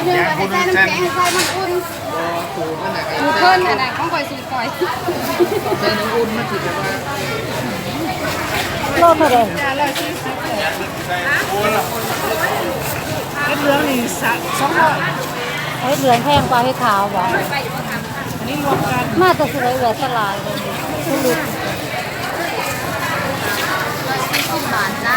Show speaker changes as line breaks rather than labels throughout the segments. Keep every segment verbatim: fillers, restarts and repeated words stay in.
เนื้อไปใส่น้ำแข็งใส่น้ำอุ่นหมูเพิ่นอะไรของก่อยสูตรก่อยใส่น้ำอุ่นมาถิดแบบว่า
โลเท่าไหร่
เฮ็ดเหลืองนี่สองร้อย
เฮ็ดเหลืองแพงกว่าเฮ็ดขาวบ่
อันนี้รวมกัน
มาแต่สิได้เหลือสลายเลยสุด
บาทจ้า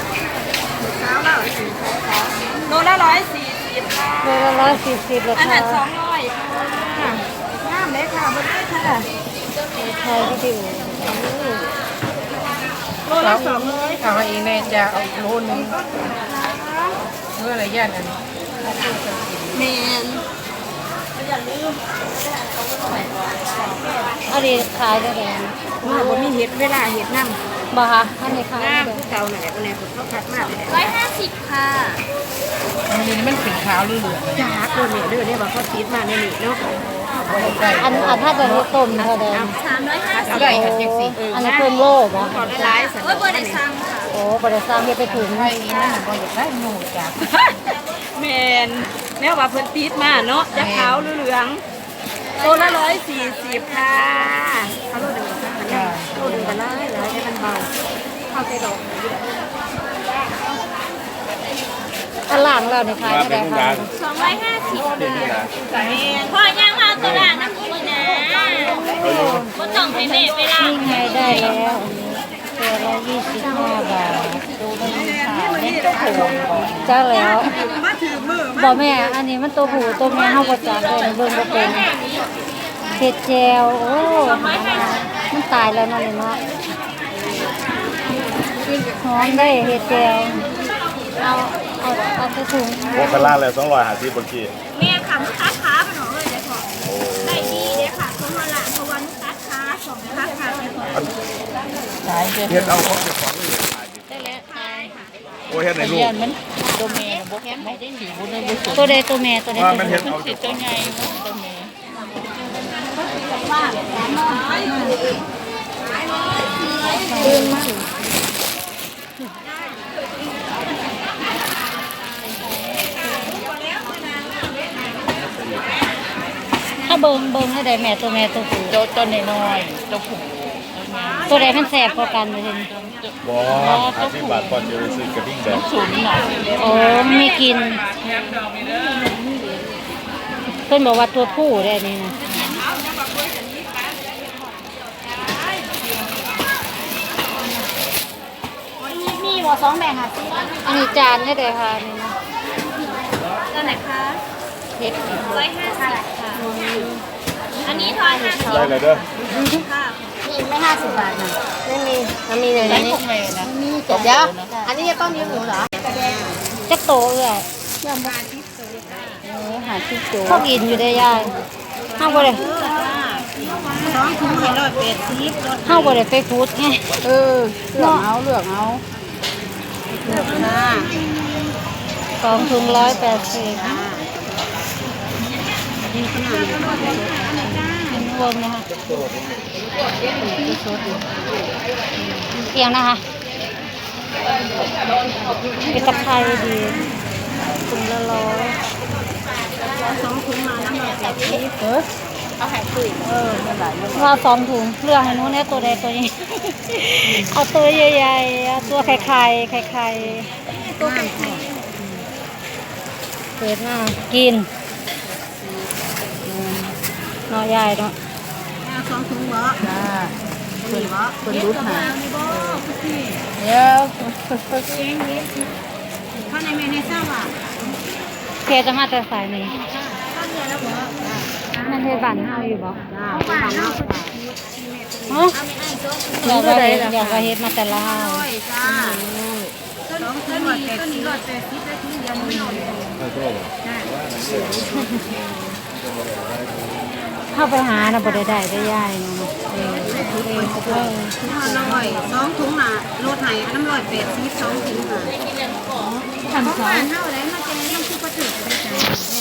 โลละร้อยสี่สิบค่ะ
โลละร้อยสี่สิบราคา
อันนั้นสองร้อยค่ะงามเลยค่ะบนนี้ค่ะ
ไทยก็ดี
โลละสองร้อยค่ะเองเนี่ยจะเอาโลนึงเมื่อไรย่านอันนี้เมน
อันนี้ขายได้เลย
มาบนนี้เห็ดเวลาเห็ดน้ำ
บ่คะอันนี้ขาย
น้ำเก่าหน่อยอันนี้ผมเขาคัดมากเลย
ร้อยห้าสิบค่ะ
อันนี้มันเป็นขาวหรือเหลืองจ้าตัวเนี่ยเรื่องนี้บอกเขาติดมาในนี้เนาะ
อันอันถ้าจะให้ต้มเท่าเดิม
สามร้อยห้าสิบ
อันนี้เพิ่มโลบ่
ขอได้หลายสัก
โอ้ยบริษัทค่ะ
โอ้บริษัทเฮ็ดไปถึง
ไอ้นั่นบ่อยากได้หนูจ้าแมนแม่ว่าเพิ่นติดมาเนาะจะขาวหรือเหลืองตัวละร้อยสี่สิบค่ะเขาโลดหนึ่งค่ะโลดหนึ่งกันเลยเลยให้มันเบาเข้าใจดอก
อันล่างเราในขายได้ค่ะ
สองร้อยห้าสิบพอย่างมาตัวละน้ำมันนะก็ต้องให้แม่ไปล้าง
นี่ไงได้แล้วตัวละยี่สิบห้าบาทจ้าแล้วบอกแม่อันนี้มันตัวผู้ตัวแม่เฮาบ่จักเลยเบิ่งบ่เป็นเห็ดแจวโอ้มันตายแล้วนั่นเลยเนาะหอมได้เห็ดแจวเอาเอาเอาไปถุง
โอ้คาร่าเลยต้องรอยหาที่บางที
แม่ค่ะมุกค้าค้าไปหน่อยเลยพอได้ดีเลยค่ะเพราะว่าละเพราะว่ามุกค้าค้าสองค้าค้าไปพอ
เฮ็ดเอาของเจ้าของเลย
ได้แล้วตายค่ะ
โอ้เฮ็ดในลูก
มันตัวแม่บ่แข็งไม่ได้สีบ่ได้บ่สุดตัวใดตัวแม่ตัวใดตัว
มันเฮ็ดเอา
ตัวใหญ่ตัวแม่ตื่นมาถ้าเบิ่งเบิ่งให้ได้แม่ตัวแม่ตัวผู้ตัวตัวน้อยๆตัวผู้ตัวใดมันแสบกว่ากันเลยทีนี้
บ่ห้าสิบบาทก่อนจะไปซื้อกระดิ่งแดง
สูงหน่อยโอ้ไม่กินเพิ่นบอกว่าตัวผู้ได้นี่นะ
มีหัวสองแบ่งค่ะซี
อันนี้จานให้ได้ค่ะนี่นะ
ตัวไหนคะ
เฮ็ด
ร้อยห้าสิบค่ะอันนี้ทอยห้าสิบ
ได้เลยเด้อ
ค่ะ
นี่ไม่ห้าสิบบาทนะไม่มีมันมีเลยนี่มีเดี๋ยวอันนี้จะต้องมีหมูเหรอจะโตเลยยำบาทิโตเออหาทิโตพวกอินอยู่ได้ยายห้าบ่ได้
สองถุงให้ร้อยแปดสิบ
ห้าบ่ได้ไปฟูดไง
เออเลือกเอาเลือกเอาเลือกหน้า
สองถุงร้อยแปดสิบเป็นรวมนะคะเอียงนะคะเป็นตะไคร้ดีถุงละร้อย
สองถุงมาน้ำหนักแบบนี้เออเอาแผ่นปุ๋ยเออไม่ไหล
ว่าสองถุงเลือกให้นู้นเนี่ยตัวใดตัวนี้เอาตัวใหญ่ๆเอาตัวไข่ไข่ไข่ไข่
ตัวไข่ไข่
เปิดหน้ากินเนาะยายเนาะ
สองถุงบ่จ้าคนบ่คนรู้หา
เดี๋ยว
ข้าวในเมนูทราบว่า
เคจะมาแต่สายนี้นั่นเทบันเฮาอยู่บ่
จ้าบ้านเฮา
เนาะอยากว่าอยากว่าเฮ็ดมาแต่ละเฮา
จ้าสองถุงร้อยแปดสิบร้อยแปดสิบได้ถุงเดียวนี่
เข้าไปหาน่ะบ่ได้ได้ได้ยายเนาะเออเออเออ
ร้อยสองถุงน่ะรถไหนน้ำร้อยแปดสิบสองถุงน่ะ
พันสอง
เฮาได้มาเจอน้ำซุปกระเทียมได้จ้ะ